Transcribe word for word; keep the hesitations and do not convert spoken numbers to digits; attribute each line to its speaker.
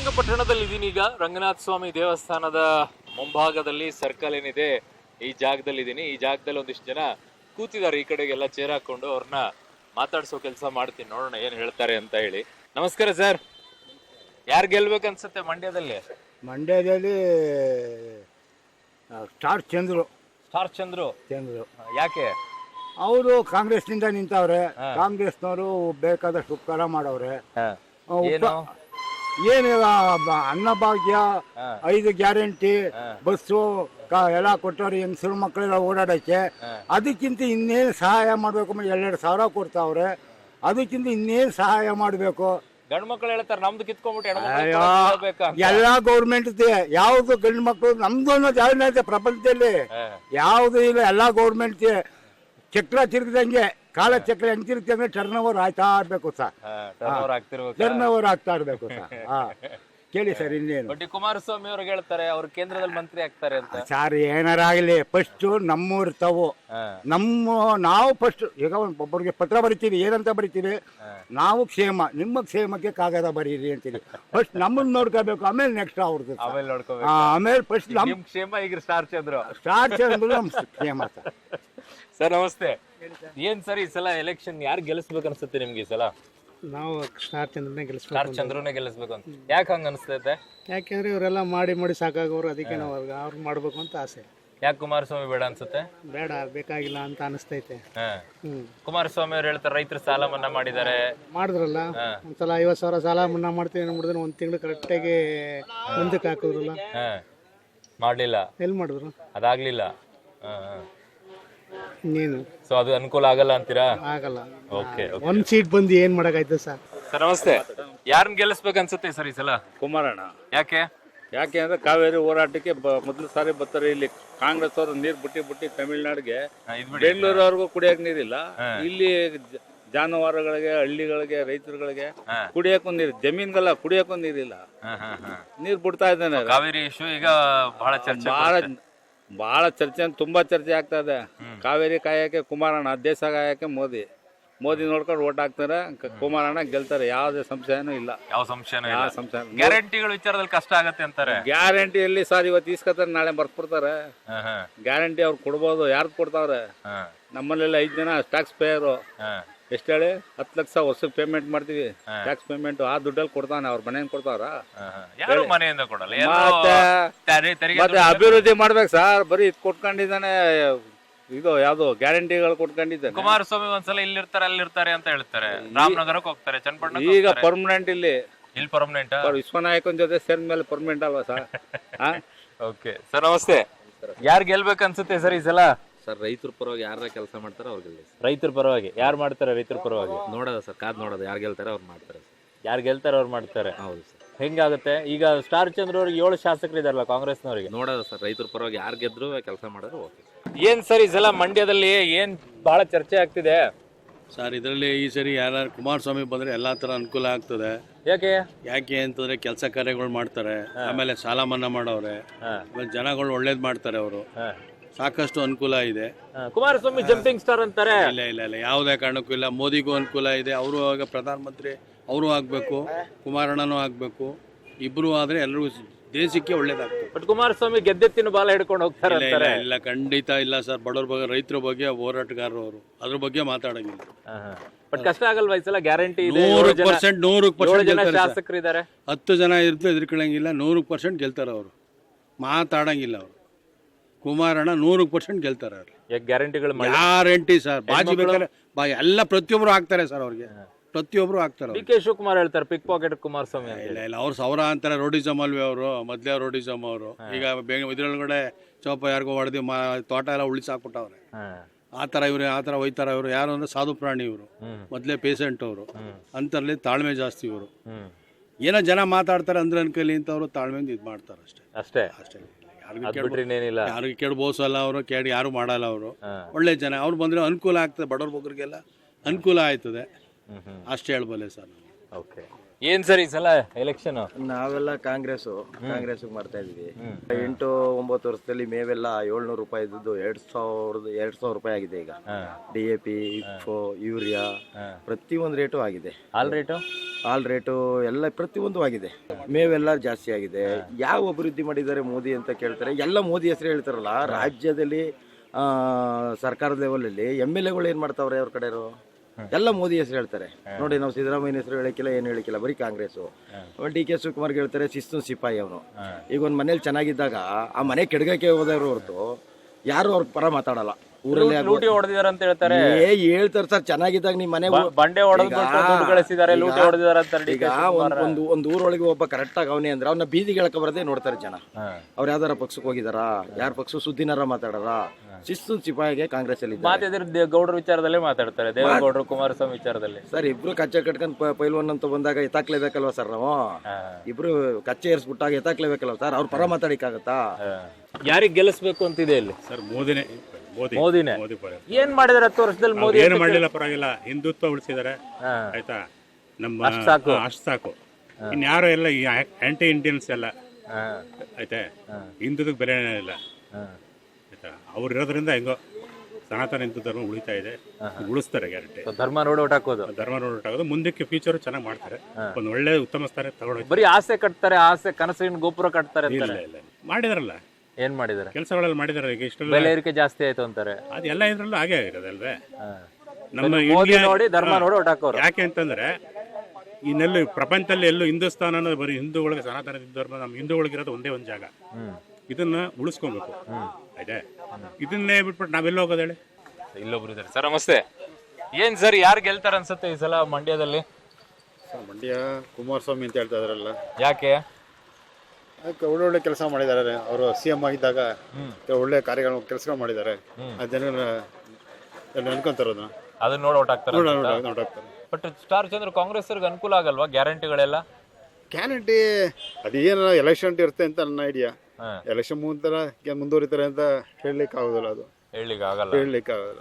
Speaker 1: ಶ್ರೀರಂಗಪಟ್ಟಣದಲ್ಲಿ ಇದೀನಿ ಈಗ ರಂಗನಾಥ ಸ್ವಾಮಿ ದೇವಸ್ಥಾನದ ಮುಂಭಾಗದಲ್ಲಿ ಸರ್ಕಲ್ ಏನಿದೆ ಈ ಜಾಗದಲ್ಲಿ ಇದೀನಿ. ಈ ಜಾಗದಲ್ಲಿ ಒಂದಿಷ್ಟು ಜನ ಕೂತಿದ್ದಾರೆ, ಈ ಕಡೆಗೆಲ್ಲ ಚೇರ್ ಹಾಕೊಂಡು ಅವ್ರನ್ನ ಮಾತಾಡ್ಸೋ ಕೆಲಸ ಮಾಡ್ತೀನಿ, ನೋಡೋಣ ಏನ್ ಹೇಳ್ತಾರೆ ಅಂತ ಹೇಳಿ. ನಮಸ್ಕಾರ ಸರ್, ಯಾರು ಗೆಲ್ಬೇಕನ್ಸುತ್ತೆ ಮಂಡ್ಯದಲ್ಲಿ?
Speaker 2: ಮಂಡ್ಯದಲ್ಲಿ ಸ್ಟಾರ್ ಚಂದ್ರು.
Speaker 1: ಸ್ಟಾರ್ ಚಂದ್ರು
Speaker 2: ಚಂದ್ರು
Speaker 1: ಯಾಕೆ?
Speaker 2: ಅವರು ಕಾಂಗ್ರೆಸ್ನಿಂದ ನಿಂತವ್ರೆ, ಕಾಂಗ್ರೆಸ್ನವರು ಬೇಕಾದಷ್ಟು ಉಪಕಾರ ಮಾಡವ್ರೆ. ಏನು ಅನ್ನಭಾಗ್ಯ, ಐದು ಗ್ಯಾರಂಟಿ, ಬಸ್ಸು ಎಲ್ಲ ಕೊಟ್ಟವ್ರೆ ಹೆಂಗಸರು ಮಕ್ಕಳೆಲ್ಲ ಓಡಾಡಕ್ಕೆ. ಅದಕ್ಕಿಂತ ಇನ್ನೇನು ಸಹಾಯ ಮಾಡಬೇಕು? ಎರಡೆರಡು ಸಾವಿರ ಕೊಡ್ತಾವ್ರೆ, ಅದಕ್ಕಿಂತ ಇನ್ನೇನು ಸಹಾಯ ಮಾಡಬೇಕು?
Speaker 1: ಗಂಡು ಮಕ್ಕಳು ಹೇಳ್ತಾರೆ ನಮ್ದು ಕಿತ್ಕೊಂಡ್ಬಿಟ್ಟು
Speaker 2: ಎಲ್ಲಾ ಗೌರ್ಮೆಂಟ್ ಯಾವ್ದು ಗಂಡು ಮಕ್ಕಳು ನಮ್ದು ಅನ್ನೋದು ಯಾವ್ದು ಪ್ರಪಂಚದಲ್ಲಿ ಯಾವ್ದು ಇಲ್ಲ, ಎಲ್ಲಾ ಗೌರ್ಮೆಂಟ್ ಚಕ್ರ ತಿರುಗದಂಗೆ, ಕಾಲ ಚಕ್ರ ಹೆಂಗ್ ತಿರುಗ್ತಂದ್ರೆ ಟರ್ನ್ ಓವರ್ ಆಯ್ತಾ ಇರ್ಬೇಕು ಸರ್, ಟರ್ನ್ ಓವರ್ ಆಗ್ತಾ ಇರ್ಬೇಕು ಸರ್. ಹಾ ಕೇಳಿ ಸರ್, ಇನ್ನೇನು?
Speaker 1: ಕುಮಾರಸ್ವಾಮಿ ಅವ್ರಿಗೆ ಹೇಳ್ತಾರೆ ಅವ್ರು ಕೇಂದ್ರದಲ್ಲಿ ಮಂತ್ರಿ ಆಗ್ತಾರೆ ಅಂತ.
Speaker 2: ಸರ್ ಏನಾರ ಆಗಲಿ, ಫಸ್ಟ್ ನಮ್ಮೂರ್ ತಾವು ನಮ್ಮ ನಾವು ಫಸ್ಟ್ ಈಗ ಒಬ್ಬರಿಗೆ ಪತ್ರ ಬರಿತೀವಿ, ಏನಂತ ಬರಿತೀವಿ? ನಾವು ಕ್ಷೇಮ, ನಿಮ್ಮ ಕ್ಷೇಮಕ್ಕೆ ಕಾಗದ ಬರೀರಿ ಅಂತೀವಿ. ಫಸ್ಟ್ ನಮ್ಮನ್ನ ನೋಡ್ಕೋಬೇಕು, ಆಮೇಲೆ ನೆಕ್ಸ್ಟ್ ಅವ್ರದ್ದು,
Speaker 1: ಆಮೇಲೆ ನೋಡ್ಕೋಬೇಕು.
Speaker 2: ಆಮೇಲೆ ಫಸ್ಟ್ ನಮ್
Speaker 1: ಕ್ಷೇಮ. ಈಗ ಸ್ಟಾರ್ ಚಂದ್ರು
Speaker 2: ಸ್ಟಾರ್ ಚಂದ್ರು ನಮ್ ಕ್ಷೇಮ ಸರ್.
Speaker 1: ಸರ್ ನಮಸ್ತೆ. ಏನ್ ಸರ್ ಈ ಸಲ ಎಲೆಕ್ಷನ್ ಯಾರು ಗೆಲ್ಲಿಸ್ಬೇಕು ಅನ್ಸುತ್ತೆ ನಿಮ್ಗೆ ಈ ಸಲ?
Speaker 3: ನಾವು ಸ್ಟಾರ್ ಚಂದ್ರನೇ ಗೆಲ್ಲಿಸ್ಬೇಕು.
Speaker 1: ಸ್ಟಾರ್ ಚಂದ್ರನೇ ಗೆಲ್ಲಿಸ್ಬೇಕು ಅಂತ ಯಾಕೆ ಹಂಗ ಅನಿಸ್ತೈತೆ?
Speaker 3: ಯಾಕೆಂದ್ರೆ ಇವರೆಲ್ಲ ಮಾಡಿ ಮಾಡಿ ಸಾಕಾಗೋರು, ಅದಕ್ಕೆ ನಾವು ಅವ್ರು ಮಾಡ್ಬೇಕು ಅಂತ ಆಸೆ.
Speaker 1: ಯಾಕೆ ಕುಮಾರಸ್ವಾಮಿ ಬೇಡ ಅನ್ಸುತ್ತೆ?
Speaker 3: ಬೇಡ, ಬೇಕಾಗಿಲ್ಲ ಅಂತ ಅನಿಸ್ತೈತೆ.
Speaker 1: ಹ್ಮ್ ಕುಮಾರಸ್ವಾಮಿ ಅವ್ರು ಹೇಳ್ತಾರೆ ರೈತರ ಸಾಲ ಮನ್ನಾ ಮಾಡಿದ್ದಾರೆ,
Speaker 3: ಮಾಡಿದ್ರಲ್ಲ ಒಂದ್ಸಲ ಐವತ್ ಸಾವಿರ ಸಾಲ ಮನ್ನಾ ಮಾಡ್ತೀವಿ ನೋಡಿದ್ರೆ ಒಂದ್ ತಿಂಗಳು ಕರೆಕ್ಟಾಗಿ ಮುಂದಕ್ಕೆ ಹಾಕಿದ್ರಲ್ಲ,
Speaker 1: ಮಾಡ್ಲಿಲ್ಲ.
Speaker 3: ಎಲ್ಲಿ ಮಾಡಿದ್ರು?
Speaker 1: ಅದಾಗ್ಲಿಲ್ಲ.
Speaker 3: ಇನ್ನೇನು
Speaker 1: ಸೊ ಅದು ಅನುಕೂಲ ಆಗಲ್ಲ ಅಂತೀರಾ?
Speaker 3: ಆಗಲ್ಲ.
Speaker 1: ಓಕೆ,
Speaker 3: ಒಂದ್ ಸೀಟ್ ಬಂದು ಏನ್ ಮಾಡಕಾಯ್ತು ಸರ್?
Speaker 1: ಸರ್ ನಮಸ್ತೆ. ಯಾರನ್ನ ಗೆಲ್ಲಿಸ್ಬೇಕು ಅನ್ಸುತ್ತೆ ಸರ್ ಈ ಸಲ?
Speaker 4: ಕುಮಾರಣ್ಣ.
Speaker 1: ಯಾಕೆ?
Speaker 4: ಯಾಕೆ ಅಂದ್ರೆ ಕಾವೇರಿ ಹೋರಾಟಕ್ಕೆ ಮೊದಲು ಸಾರಿ ಬರ್ತಾರೆ. ಇಲ್ಲಿ ಕಾಂಗ್ರೆಸ್ ಅವರು ನೀರ್ ಬಿಟ್ಟಿ ಬಿಟ್ಟಿ ತಮಿಳ್ನಾಡಿಗೆ, ಬೆಂಗಳೂರವರೆಗೂ ಕುಡಿಯಕ್ ನೀರಿಲ್ಲ. ಇಲ್ಲಿ ಜಾನುವಾರುಗಳಿಗೆ, ಹಳ್ಳಿಗಳಿಗೆ, ರೈತರುಗಳಿಗೆ ಕುಡಿಯಕ್ಕೂ ನೀರು, ಜಮೀನ್ಗೆಲ್ಲ ಕುಡಿಯಕ್ಕೂ ನೀರಿಲ್ಲ. ನೀರ್ ಬಿಡ್ತಾ ಇದ್ದಾನೆ.
Speaker 1: ಕಾವೇರಿ ಇಶ್ಯೂ ಈಗ ಬಹಳ ಚರ್ಚೆ,
Speaker 4: ಬಹಳ ಬಹಳ ಚರ್ಚೆ, ತುಂಬಾ ಚರ್ಚೆ ಆಗ್ತಾ ಇದೆ. ಕಾವೇರಿ ಕಾಯಕ್ಕೆ ಕುಮಾರಣ್ಣ, ದೇಶ ಕಾಯಕ್ಕೆ ಮೋದಿ. ಮೋದಿ ನೋಡ್ಕೊಂಡು ಓಟ್ ಹಾಕ್ತಾರೆ, ಕುಮಾರಣ್ಣ ಗೆಲ್ತಾರೆ, ಯಾವುದೇ ಸಂಶಯನೂ ಇಲ್ಲ.
Speaker 1: ಯಾವ ಸಂಶಯನೂ
Speaker 4: ಯಾವ
Speaker 1: ಇಲ್ಲ.
Speaker 4: ಸಂಶಯ.
Speaker 1: ಗ್ಯಾರಂಟಿಗಳ ವಿಚಾರದಲ್ಲಿ ಕಷ್ಟ ಆಗತ್ತೆ ಅಂತಾರೆ.
Speaker 4: ಗ್ಯಾರಂಟಿ ಎಲ್ಲಿ ಸರ್? ಇವತ್ತು ಇಸ್ಕೊತಾರೆ, ನಾಳೆ ಬರ್ಸ್ಬಿಡ್ತಾರೆ. ಗ್ಯಾರಂಟಿ ಅವ್ರು ಕೊಡ್ಬೋದು, ಯಾರು ಕೊಡ್ತಾವ್ರೆ? ನಮ್ಮಲ್ಲೆಲ್ಲ ಐದ್ ಜನ ಟ್ಯಾಕ್ಸ್ ಪೇಯರು. ಎಷ್ಟು ಹೇಳಿ? ಹತ್ತು ಲಕ್ಷ ವರ್ಷಕ್ಕೆ ಪೇಮೆಂಟ್ ಮಾಡ್ತೀವಿ ಟ್ಯಾಕ್ಸ್ ಪೇಮೆಂಟ್. ಆ ದುಡ್ಡಲ್ಲಿ ಕೊಡ್ತಾನೆ, ಅವ್ರ ಮನೆಯಿಂದ ಕೊಡ್ತಾವ್ರ?
Speaker 1: ಮನೆಯಿಂದ ಕೊಡಲ್ಲ.
Speaker 4: ಮತ್ತೆ ಅಭಿವೃದ್ಧಿ ಮಾಡ್ಬೇಕು ಸರ್, ಬರೀ ಇದು ಕೊಟ್ಕೊಂಡಿದ್ದಾನೆ. ಇದು ಯಾವ್ದು ಗ್ಯಾರಂಟಿಗಳು ಕೊಟ್ಕೊಂಡಿದ್ದಾನೆ.
Speaker 1: ಕುಮಾರಸ್ವಾಮಿ ಒಂದ್ಸಲ ಇಲ್ಲಿರ್ತಾರೆ ಅಲ್ಲಿರ್ತಾರೆ ಅಂತ ಹೇಳ್ತಾರೆ, ರಾಮನಗರಕ್ಕೆ ಹೋಗ್ತಾರೆ, ಚನ್ನಪಟ್ಟಣ.
Speaker 4: ಈಗ ಪರ್ಮನೆಂಟ್ ಇಲ್ಲಿ
Speaker 1: ಇಲ್ಲಿ ಪರ್ಮನೆಂಟ್
Speaker 4: ವಿಶ್ವನಾಯಕನ ಜೊತೆ ಸೇರಿದ ಮೇಲೆ ಪರ್ಮನೆಂಟ್ ಅಲ್ವಾ ಸರ್?
Speaker 1: ಓಕೆ ಸರ್ ನಮಸ್ತೆ. ಯಾರು ಗೆಲ್ಬೇಕು ಅನ್ಸುತ್ತೆ ಸರ್ ಈ ಸಲ?
Speaker 5: ಸರ್ ರೈತರ ಪರವಾಗಿ ಯಾರ ಕೆಲಸ ಮಾಡ್ತಾರೆ ಅವ್ರಿಗೆ.
Speaker 1: ರೈತರ ಪರವಾಗಿ ಯಾರು ಮಾಡ್ತಾರೆ? ರೈತರ ಪರವಾಗಿ
Speaker 5: ನೋಡೋದ ಸರ್, ಕಾದ್ ನೋಡೋದು, ಯಾರು ಗೆಲ್ತಾರೆ ಅವ್ರು ಮಾಡ್ತಾರೆ.
Speaker 1: ಯಾರು ಗೆಲ್ತಾರೆ ಅವ್ರು ಮಾಡ್ತಾರೆ.
Speaker 5: ಹೌದು ಸರ್.
Speaker 1: ಹೆಂಗಾಗುತ್ತೆ? ಈಗ ಸ್ಟಾರ್ ಚಂದ್ರ ಅವ್ರಿಗೆ ಏಳು ಶಾಸಕರು ಇದಾರಲ್ಲ ಕಾಂಗ್ರೆಸ್ನವರಿಗೆ.
Speaker 5: ನೋಡೋದ ಸರ್, ರೈತರ ಪರವಾಗಿ ಯಾರು ಗೆದ್ರು ಕೆಲಸ ಮಾಡೋರು ಓಕೆ.
Speaker 1: ಏನ್ ಸರ್ ಈ ಸಲ ಮಂಡ್ಯದಲ್ಲಿ ಏನ್ ಬಹಳ ಚರ್ಚೆ ಆಗ್ತಿದೆ
Speaker 6: ಸರ್? ಇದರಲ್ಲಿ ಈ ಸರಿ ಯಾರು ಕುಮಾರಸ್ವಾಮಿ ಬಂದ್ರೆ ಎಲ್ಲಾ ತರ ಅನುಕೂಲ ಆಗ್ತದೆ.
Speaker 1: ಯಾಕೆ?
Speaker 6: ಯಾಕೆ ಅಂತಂದ್ರೆ ಕೆಲಸ ಕಾರ್ಯಗಳು ಮಾಡ್ತಾರೆ, ಆಮೇಲೆ ಸಾಲ ಮನ್ನಾ ಮಾಡವ್ರೆ, ಆಮೇಲೆ ಜನಗಳು ಒಳ್ಳೇದ್ ಮಾಡ್ತಾರೆ. ಅವರು ಸಾಕಷ್ಟು ಅನುಕೂಲ ಇದೆ.
Speaker 1: ಕುಮಾರಸ್ವಾಮಿ ಜಂಪಿಂಗ್ ಸ್ಟಾರ್ ಅಂತಾರೆ.
Speaker 6: ಇಲ್ಲ ಇಲ್ಲ ಇಲ್ಲ, ಯಾವುದೇ ಕಾರಣಕ್ಕೂ ಇಲ್ಲ. ಮೋದಿಗೂ ಅನುಕೂಲ ಇದೆ, ಅವರು ಆಗ ಪ್ರಧಾನಮಂತ್ರಿ ಅವರು ಆಗ್ಬೇಕು, ಕುಮಾರಣ್ಣನೂ ಆಗ್ಬೇಕು. ಇಬ್ರು ಆದ್ರೆ ಎಲ್ಲರಿಗೂ ದೇಶಕ್ಕೆ ಒಳ್ಳೇದಾಗ್ತದೆ.
Speaker 1: ಬಟ್ ಕುಮಾರಸ್ವಾಮಿ ಗೆದ್ದೆತ್ತಿನ ಬಾಲ ಹಿಡ್ಕೊಂಡು ಹೋಗ್ತಾರೆ ಅಂತಾರೆ.
Speaker 6: ಇಲ್ಲ, ಖಂಡಿತ ಇಲ್ಲ ಸರ್. ಬಡವ್ರ ಬಗ್ಗೆ, ರೈತರ ಬಗ್ಗೆ ಹೋರಾಟಗಾರರು ಅವರು, ಅದ್ರ ಬಗ್ಗೆ ಮಾತಾಡಂಗಿಲ್ಲ.
Speaker 1: ಬಟ್ ಕಷ್ಟ ಆಗಲ್ವಾ ಈ ಸಲ? ಗ್ಯಾರಂಟಿ ಇದೆ,
Speaker 6: ನೂರು ಪರ್ಸೆಂಟ್ ನೂರು ಪರ್ಸೆಂಟ್
Speaker 1: ಶಾಸಕರು ಇದಾರೆ.
Speaker 6: ಹತ್ತು ಜನ ಇರ್ತದೆ, ಎದುರ್ಕೊಳ್ಳಂಗಿಲ್ಲ. ನೂರು ಪರ್ಸೆಂಟ್ ಗೆಲ್ತಾರೆ ಅವರು, ಮಾತಾಡಂಗಿಲ್ಲ ಅವರು. ಕುಮಾರಣ್ಣ ನೂರು ಪರ್ಸೆಂಟ್ ಗೆಲ್ತಾರೆ ಅವ್ರು.
Speaker 1: ಗ್ಯಾರಂಟಿಗಳು
Speaker 6: ಗ್ಯಾರಂಟಿ ಸರ್. ಬಾಜಿ ಬೇಕಾದ್ರೆ ಬಾ ಎಲ್ಲ ಪ್ರತಿಯೊಬ್ರು ಆಗ್ತಾರೆ ಸರ್, ಅವ್ರಿಗೆ ಪ್ರತಿಯೊಬ್ರು ಆಗ್ತಾರೆ.
Speaker 1: ಡಿ ಕೆ ಶಿವಕುಮಾರ್ ಹೇಳ್ತಾರೆ ಪಿಕ್ ಪಾಕೆಟ್ ಕುಮಾರಸ್ವಾಮಿ.
Speaker 6: ಇಲ್ಲ ಇಲ್ಲ, ಅವ್ರು ಸಾವಿರ ಅಂತಾರೆ. ರೋಡಿಸಮ್ ಅಲ್ವೇ ಅವರು? ಮೊದ್ಲೇ ರೋಡಿಸಮ್ ಅವರು. ಈಗ ಇದ್ರೊಳಗಡೆ ಚೌಪ ಯಾರಿಗೋ ಹೊಡೆದಿ ತೋಟ ಎಲ್ಲ ಉಳಿಸಿ ಹಾಕ್ಬಿಟ್ಟವ್ರೆ. ಆತರ ಇವ್ರು ಆತರ ಹೋಯ್ತಾರ. ಇವರು ಯಾರು ಅಂದ್ರೆ ಸಾಧು ಪ್ರಾಣಿ. ಇವರು ಮೊದ್ಲೇ ಪೇಷಂಟ್. ಅವರು ಅಂತರ್ಲಿ ತಾಳ್ಮೆ ಜಾಸ್ತಿ. ಇವರು ಏನೋ ಜನ ಮಾತಾಡ್ತಾರೆ ಅಂದ್ರೆ ಅನ್ಕಲಿ ಅಂತ ಅವರು ತಾಳ್ಮೆಯಿಂದ ಇದ್ ಮಾಡ್ತಾರೆ ಅಷ್ಟೇ ಅಷ್ಟೇ ಅಷ್ಟೇ ಯಾರಿಗೆ ಕೆಡ ಬೋಸಲ್ಲ ಅವರು, ಕೆಡ ಯಾರು ಮಾಡಲ್ಲ ಅವರು. ಒಳ್ಳೆ ಜನ. ಅವ್ರು ಬಂದ್ರೆ ಅನುಕೂಲ ಆಗ್ತದೆ, ಬಡವ್ರ ಬಗ್ಗರಿಗೆಲ್ಲ ಅನುಕೂಲ ಆಯ್ತದೆ. ಅಷ್ಟೇ ಹೇಳ್ಬಲ್ಲೆ ಸರ್.
Speaker 1: ಓಕೆ. ಏನ್ ಸರ್ ಈ ಸಲ ಎಲೆಕ್ಷನ್?
Speaker 7: ನಾವೆಲ್ಲ ಕಾಂಗ್ರೆಸ್ ಕಾಂಗ್ರೆಸ್ ಮಾಡ್ತಾ ಇದೀವಿ. ಎಂಟು ಒಂಬತ್ತು ವರ್ಷದಲ್ಲಿ ಮೇವೆಲ್ಲ ಏಳ್ನೂರು ರೂಪಾಯಿ ಇದ್ದದ್ದು ಎರಡ್ ಸಾವಿರದ ಎರಡ್ ಸಾವಿರ ರೂಪಾಯಿ ಆಗಿದೆ ಈಗ. D A P, IFFCO, urea ಪ್ರತಿಯೊಂದು ರೇಟು ಆಗಿದೆ.
Speaker 1: ಆಲ್ ರೇಟು
Speaker 7: ಆಲ್ ರೇಟು ಎಲ್ಲ ಪ್ರತಿಯೊಂದು ಆಗಿದೆ. ಮೇವೆಲ್ಲ ಜಾಸ್ತಿ ಆಗಿದೆ. ಯಾವ ಅಭಿವೃದ್ಧಿ ಮಾಡಿದ್ದಾರೆ ಮೋದಿ ಅಂತ ಕೇಳ್ತಾರೆ. ಎಲ್ಲ ಮೋದಿ ಹೆಸರು ಹೇಳ್ತಾರಲ್ಲ. ರಾಜ್ಯದಲ್ಲಿ ಆ ಸರ್ಕಾರದ ಲೆವೆಲಲ್ಲಿ ಎಮ್ ಎಲ್ ಎಗಳು ಏನ್ ಮಾಡ್ತಾವ್ರೆ ಅವ್ರ ಕಡೆಯವರು? ಎಲ್ಲ ಮೋದಿ ಹೆಸರು ಹೇಳ್ತಾರೆ. ನೋಡಿ, ನಾವು ಸಿದ್ದರಾಮಯ್ಯ ಹೆಸರು ಹೇಳಿಕಿಲ್ಲ, ಏನು ಹೇಳಿಕಿಲ್ಲ, ಬರೀ ಕಾಂಗ್ರೆಸ್. ಡಿ ಕೆ ಶಿವಕುಮಾರ್ ಹೇಳ್ತಾರೆ ಶಿಸ್ತು ಸಿಪಾಯಿ ಅವನು. ಈಗ ಒಂದು ಮನೇಲಿ ಚೆನ್ನಾಗಿದ್ದಾಗ ಆ ಮನೆ ಕೆಡಗಕ್ಕೆ ಹೋದವ್ರು ಹೊರತು ಯಾರು ಅವ್ರ ಪರ ಮಾತಾಡಲ್ಲ. ಊರಲ್ಲಿ
Speaker 1: ಲೂಟಿ ಹೊಡೆದಿದ್ದಾರೆ ಅಂತ ಹೇಳ್ತಾರೆ.
Speaker 7: ಏ ಹೇಳ್ತಾರೆ ಸರ್, ಚೆನ್ನಾಗಿದ್ದಾಗ ನಿಮ್ ಮನೆ
Speaker 1: ಬಂಡೆ ಹೊಡೆದ್ಬಿಟ್ಟು ದುಡ್ಡು ಗಳಿಸಿದ್ದಾರೆ, ಲೂಟಿ ಹೊಡೆದಿದ್ದಾರೆ ಅಂತಾರೆ.
Speaker 7: ಈಗ ಒಂದ್- ಒಂದು ಒಂದು ಊರೊಳಗೆ ಒಬ್ಬ ಕರೆಕ್ಟ್ ಆಗಿ ಅವನೇ ಅಂದ್ರೆ ಅವ್ನ ಬೀದಿಗೆ ಎಳ್ಕ ಬರದೇ ನೋಡ್ತಾರೆ ಜನ. ಅವ್ರು ಯಾವ್ದಾರ ಪಕ್ಷಕ್ಕೆ ಹೋಗಿದಾರ, ಯಾರ ಪಕ್ಷ ಸುದ್ದಿನಾರ ಮಾತಾಡಾರ. ಶಿಸ್ತು ಸಿಪಾಯಿಗೆ ಕಾಂಗ್ರೆಸ್ ಅಲ್ಲಿ
Speaker 1: ಮಾತಿದ್ರೆ ಗೌಡ್ರ ವಿಚಾರದಲ್ಲೇ ಮಾತಾಡ್ತಾರೆ, ದೇವೇಗೌಡರು ಕುಮಾರಸ್ವಾಮಿ ವಿಚಾರದಲ್ಲಿ.
Speaker 7: ಸರ್, ಇಬ್ರು ಕಚ್ಚೆ ಕಟ್ಕೊಂಡ್ ಪ- ಪೈಲ್ವಾನ್ ಅಂತ ಬಂದಾಗ ಎತ್ತಾಕ್ಲೇಬೇಕಲ್ವಾ ಸರ್ ನಾವು? ಇಬ್ರು ಕಚ್ಚೆ ಏರ್ಸ್ಬಿಟ್ಟಾಗ ಎತ್ತಾಕ್ಲೇಬೇಕಲ್ವ ಸರ್? ಅವ್ರ ಪರ ಮಾತಾಡಿಕಾಗತ್ತಾ?
Speaker 1: ಯಾರಿಗ್ ಗೆಲ್ಲಿಸ್ಬೇಕು ಅಂತಿದೆ ಇಲ್ಲಿ?
Speaker 8: ಸರ್ ಮೋದಿನೇ ಮೋದಿ
Speaker 1: ಮೋದಿನೇ.
Speaker 8: ಮೋದಿ ಪರ
Speaker 1: ಏನ್ ಮಾಡಿದಾರೆ ಹತ್ತು ವರ್ಷದಲ್ಲಿ ಮೋದಿ?
Speaker 8: ಏನು ಮಾಡಲಿಲ್ಲ, ಪರವಾಗಿಲ್ಲ. ಹಿಂದುತ್ವ ಉಳಿಸಿದ್ದಾರೆ, ಆಯ್ತಾ? ನಮ್ಮ
Speaker 1: ಅಷ್ಟ್ ಸಾಕು.
Speaker 8: ಹಾ, ಅಷ್ಟ್ ಸಾಕು. ಇನ್ಯಾರು ಎಲ್ಲ ಈ ಆಂಟಿ ಇಂಡಿಯನ್ಸ್ ಎಲ್ಲ ಆಯ್ತಾ, ಹಿಂದುತ್ವಕ್ಕೆ ಬೆಲೆ ಇಲ್ಲ ಆಯ್ತಾ. ಅವ್ರು ಇರೋದ್ರಿಂದ ಹೆಂಗೋ ಸನಾತನ ಹಿಂದೂ ಧರ್ಮ ಉಳಿತಾ ಇದೆ, ಉಳಿಸ್ತಾರೆ ಗ್ಯಾರಂಟಿ.
Speaker 1: ಧರ್ಮ ನೋಡಿ ಓಟ್ ಹಾಕೋದು,
Speaker 8: ಧರ್ಮ ನೋಡೋಟಾಗೋದು. ಮುಂದಕ್ಕೆ ಫ್ಯೂಚರ್ ಚೆನ್ನಾಗಿ ಮಾಡ್ತಾರೆ, ಒಂದು ಒಳ್ಳೆ ಉತ್ತಮ ಸ್ಥಾನ ತಗೊಂಡು.
Speaker 1: ಬರೀ ಆಸೆ ಕಟ್ತಾರೆ, ಆಸೆ ಕನಸಿನ ಗೋಪುರ ಕಟ್ತಾರೆ
Speaker 8: ಇಲ್ಲ
Speaker 1: ಅಂತಾರೆ.
Speaker 8: ಇಲ್ಲ ಮಾಡಿದಾರಲ್ಲ,
Speaker 1: ಏನ್ ಮಾಡಿದಾರೆ?
Speaker 8: ಕೆಲಸಗಳೆಲ್ಲ ಮಾಡಿದಾರೆ. ಈಗ ಇಷ್ಟೆಲ್ಲ
Speaker 1: ಬೆಲೆ ಏರಿಕೆ ಜಾಸ್ತಿ ಆಯ್ತು ಅಂತಾರೆ.
Speaker 8: ಅದು ಎಲ್ಲ ಇದ್ರಲ್ಲೂ ಹಾಗೆ ಆಗಿರೋದಲ್ವೇ. ನಮ್ಮ
Speaker 1: ಮೋದಿ
Speaker 8: ಇಂಡಿಯಾ
Speaker 1: ನೋಡಿ ಧರ್ಮ ನೋಡಿ ಓಟ್ ಹಾಕೋರು.
Speaker 8: ಯಾಕೆ ಅಂತಂದ್ರೆ ಇನ್ನೆಲ್ಲೂ ಪ್ರಪಂಚದಲ್ಲಿ ಎಲ್ಲೂ ಹಿಂದೂಸ್ತಾನ ಅನ್ನೋದು ಬರೀ ಹಿಂದೂಗಳಿಗೆ, ಸನಾತನ ಹಿಂದೂ ಧರ್ಮ ನಮ್ಮ ಹಿಂದೂಗಳಿಗಿರೋದು ಒಂದೇ ಒಂದು ಜಾಗ. ಇದನ್ನ ಉಳಿಸ್ಕೊಬೇಕು ಆಯ್ತಾ. ಇದನ್ನೇ ಬಿಟ್ಬಿಟ್ಟು ನಾವೆಲ್ಲ ಹೋಗೋದು ಹೇಳಿ.
Speaker 1: ಇಲ್ಲೊಬ್ರು ಇದ್ದಾರೆ ಸರ್, ನಮಸ್ತೆ. ಏನ್ ಸರ್, ಯಾರು ಗೆಲ್ತಾರ ಅನ್ಸುತ್ತೆ ಈ ಸಲ ಮಂಡ್ಯದಲ್ಲಿ?
Speaker 9: ಮಂಡ್ಯ ಕುಮಾರಸ್ವಾಮಿ ಅಂತ ಹೇಳ್ತಾ ಇದಾರಲ್ಲ,
Speaker 1: ಯಾಕೆ?
Speaker 9: ಅದಕ್ಕೆ ಒಳ್ಳೊಳ್ಳೆ ಕೆಲಸ ಮಾಡಿದ್ದಾರೆ. ಅವರು ಸಿ ಎಂ ಆಗಿದ್ದಾಗ ಒಳ್ಳೆ ಕಾರ್ಯಗಳು ಕೆಲಸಗಳು ಮಾಡಿದ್ದಾರೆ. ಆ ಜನ ನೆನ್ಕೊಂತಾರೋದು
Speaker 1: ಅದನ್ನ ನೋಡಿ ಓಟ್ ಹಾಕ್ತಾರೆ.
Speaker 9: ನೋಡಾಕ್ತಾರೆ.
Speaker 1: ಬಟ್ ಸ್ಟಾರ್ ಚಂದ್ರ ಕಾಂಗ್ರೆಸ್ ಅವ್ರಿಗೆ ಅನುಕೂಲ ಆಗಲ್ವಾ ಗ್ಯಾರಂಟಿಗಳೆಲ್ಲ?
Speaker 9: ಗ್ಯಾರಂಟಿ ಅದೇನ ಎಲೆಕ್ಷನ್ ಇರುತ್ತೆ ಅಂತ ನನ್ನ ಐಡಿಯಾ. ಎಲೆಕ್ಷನ್ ಮುಂತರ ಮುಂದುವರಿತಾರೆ ಅಂತ ಹೇಳಲಿಕ್ಕೆ ಆಗೋದಿಲ್ಲ, ಅದು
Speaker 1: ಹೇಳಲಿಕ್ಕೆ ಆಗಲ್ಲ.
Speaker 9: ಹೇಳಲಿಕ್ಕೆ ಆಗೋದಿಲ್ಲ.